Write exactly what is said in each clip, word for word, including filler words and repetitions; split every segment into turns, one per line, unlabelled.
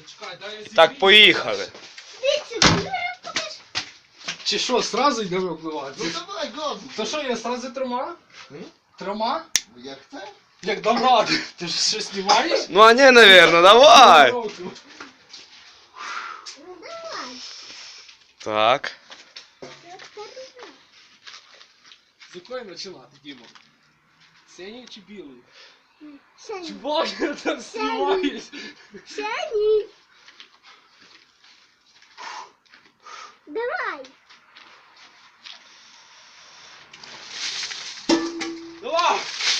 Чекай, дай я зігрію.
Так, поїхали.
Чи що, сразу йдемо впливати?
Ну давай, газу.
То що, я сразу трьома? Трьома?
Як це?
Як добра, ти ж що знімаєш?
Ну а не, наверное, давай. Так.
З якої починати, Діма? Синій чи білий? Чи
Синій.
боже, там знімаєш?
Синій. Давай.
Давай!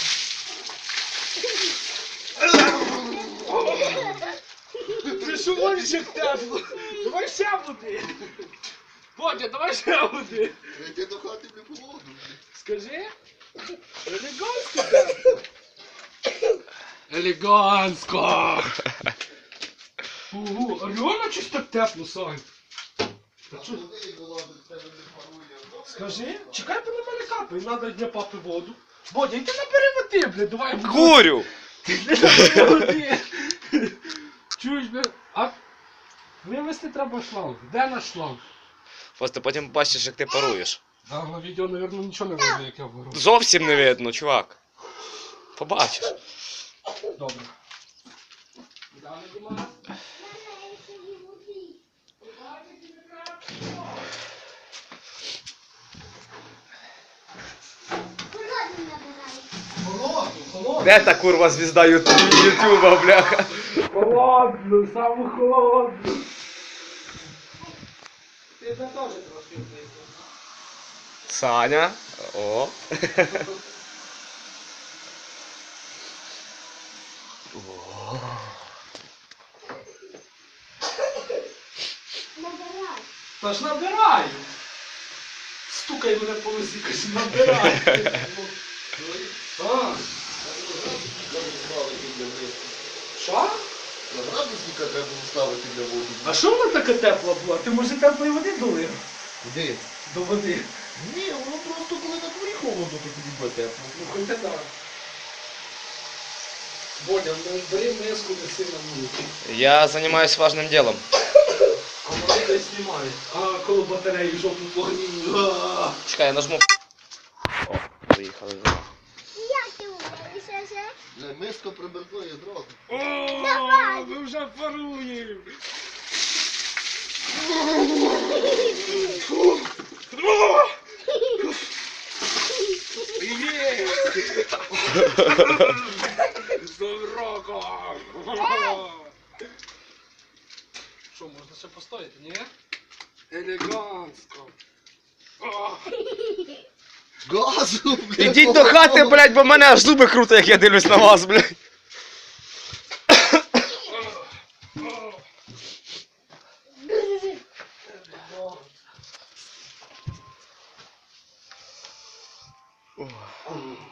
Ти що можеш як тепло? Давай ще води! Бодя, давай ще води!
Йти до хати не холодно.
Скажи? Елегантсько тепло! Елегантсько! Ого, а реально щось так тепло, Сань?
А що ти голодний, тебе не парує?
Скажи, чекай, бо на мене капає, надо для папи воду. Бодя, йди набери води, блядь, давай.
Курю.
Ти набери води. Чуєш, блядь, а вивезти треба шланг. Де наш шланг?
Просто потім бачиш, як ти паруєш.
Да, на відео, мабуть, нічого не видно, як я вгору.
Зовсім не видно, чувак. Побачиш.
Добре. Далі, Діма.
Холодний набирай.
Холодно, холодно.
Де та курва звізда юту- ютуба, бляха?
Холодно, саме холодно. Ти це теж трошки близько.
Саня. О.
Набирай.
Та ж набирай! Стукай мене по носі, кажу, набирай! А, що?
На градусника треба було ставити для воду.
А що вона така тепла була? Ти може теплої води долив?
Куди?
До води.
Ні, воно просто коли на дворі холодно, то тоді буде тепло.
Ну хоч це так. Бодя, ну бери миску, неси на вулицю.
Я займаюсь важним делом.
А вони десь знімають. А коло батареї в жовтому вогні. А.
Чекай, я нажму. О, поїхали.
Як ти вмієш ще?
Для миска приберкує одразу.
О, ми вже паруємо. Є! З Новим роком! Що, можна ще постояти, ні? Елегантсько. О!
Газу, блядь!
Ідіть до хати, блядь, бо мене аж зуби круто, як я дивлюсь на вас, блядь.